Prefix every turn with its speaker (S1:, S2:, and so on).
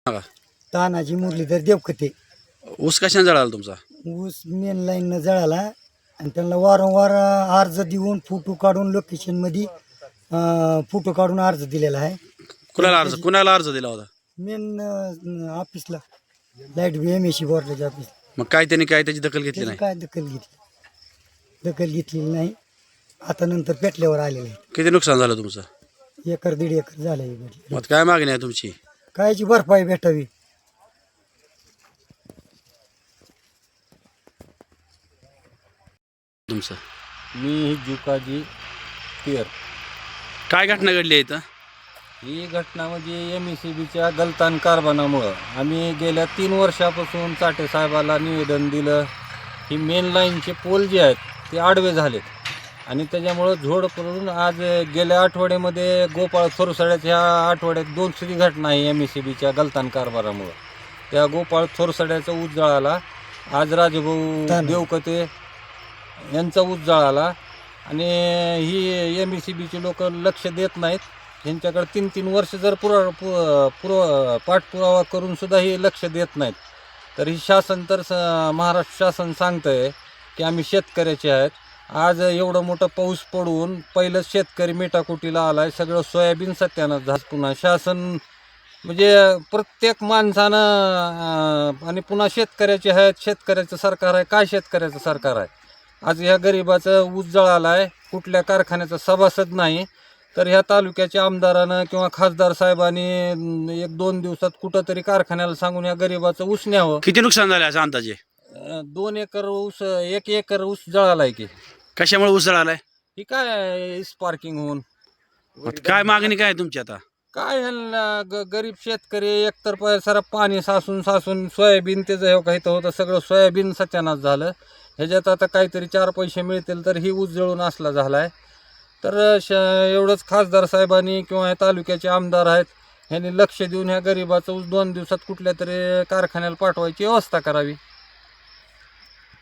S1: सांगा.
S2: तानाजी मुरलीधर देवखते.
S1: ऊस कशाने जळाला तुमचा?
S2: ऊस मेन लाईननं जळाला आणि त्यांना वारंवार अर्ज देऊन फोटो काढून लोकेशनमध्ये फोटो काढून अर्ज दिलेला आहे.
S1: कुणाला अर्ज दिला होता?
S2: मेन ऑफिसला लाईट BMAC बोर्डाच्या ऑफिस.
S1: मग काय त्यांनी त्याची दखल घेतली नाही?
S2: काय दखल घेतलेली नाही. आता नंतर पेटल्यावर आलेलं आहे.
S1: किती नुकसान झालं तुमचं?
S2: 1-1.5 एकर झालं.
S1: मग काय मागणी आहे तुमची?
S2: कायची भरपाई भेटावी.
S1: तुमचं
S3: मी जुकाजी पियर.
S1: काय घटना घडली आहे इथं?
S3: ही घटना म्हणजे MECBच्या गलतान कारभारामुळं आम्ही गेल्या 3 वर्षापासून चाटे साहेबाला निवेदन दिलं. ही मेन लाईनचे पोल जे आहेत ते आडवे झालेत आणि त्याच्यामुळं झोड पडून आज गेल्या आठवड्यामध्ये गोपाळ थोरसड्याच्या आठवड्यात 2 घटना आहे MECBच्या गलतान कारभारामुळं. त्या गोपाळ थोरसड्याचा ऊस जळाला. आज राजभाऊ देवकते यांचा ऊस जळाला आणि ही MECBची लोक लक्ष देत नाहीत. ह्यांच्याकडे 3-3 वर्ष जर पाठपुरावा करून सुद्धा हे लक्ष देत नाहीत. तर ही शासन तर महाराष्ट्र शासन सांगतंय की आम्ही शेतकऱ्याचे आहेत. आज एवढं मोठं पाऊस पडून पहिलं शेतकरी मेटाकुटीला आलाय. सगळं सोयाबीन सत्यानाश झालं. पुन्हा शासन म्हणजे प्रत्येक माणसानं आणि पुन्हा शेतकऱ्याचे आहेत. शेतकऱ्याचं सरकार आहे. काय शेतकऱ्याचं सरकार आहे? आज ह्या गरिबाचं ऊस जळाला आहे. कुठल्या कारखान्याचा सभासद नाही. तर ह्या तालुक्याच्या आमदारानं किंवा खासदार साहेबांनी 1-2 दिवसात कुठंतरी कारखान्याला सांगून ह्या गरिबाचं ऊस न्यावं.
S1: किती नुकसान झालं असं अंदाजे?
S3: 2 एकर ऊस 1 एकर ऊस जळालाय की.
S1: कशामुळे ऊस जळालाय?
S3: ही काय स्पार्किंग होऊन.
S1: काय मागणी काय आहे तुमची आता?
S3: काय गरीब शेतकरी एकतर सारा पाणी सासून सोयाबीन त्याचं हे काही होतं सगळं सोयाबीन सत्यानाश झालं. ह्याच्यात आता काहीतरी 4 पैसे मिळतील तर ही ऊस जळून असला झाला आहे. तर एवढंच खासदार साहेबांनी किंवा तालुक्याचे आमदार आहेत ह्यांनी लक्ष देऊन ह्या गरिबाचं ऊस 2 दिवसात कुठल्या तरी कारखान्याला पाठवायची व्यवस्था करावी.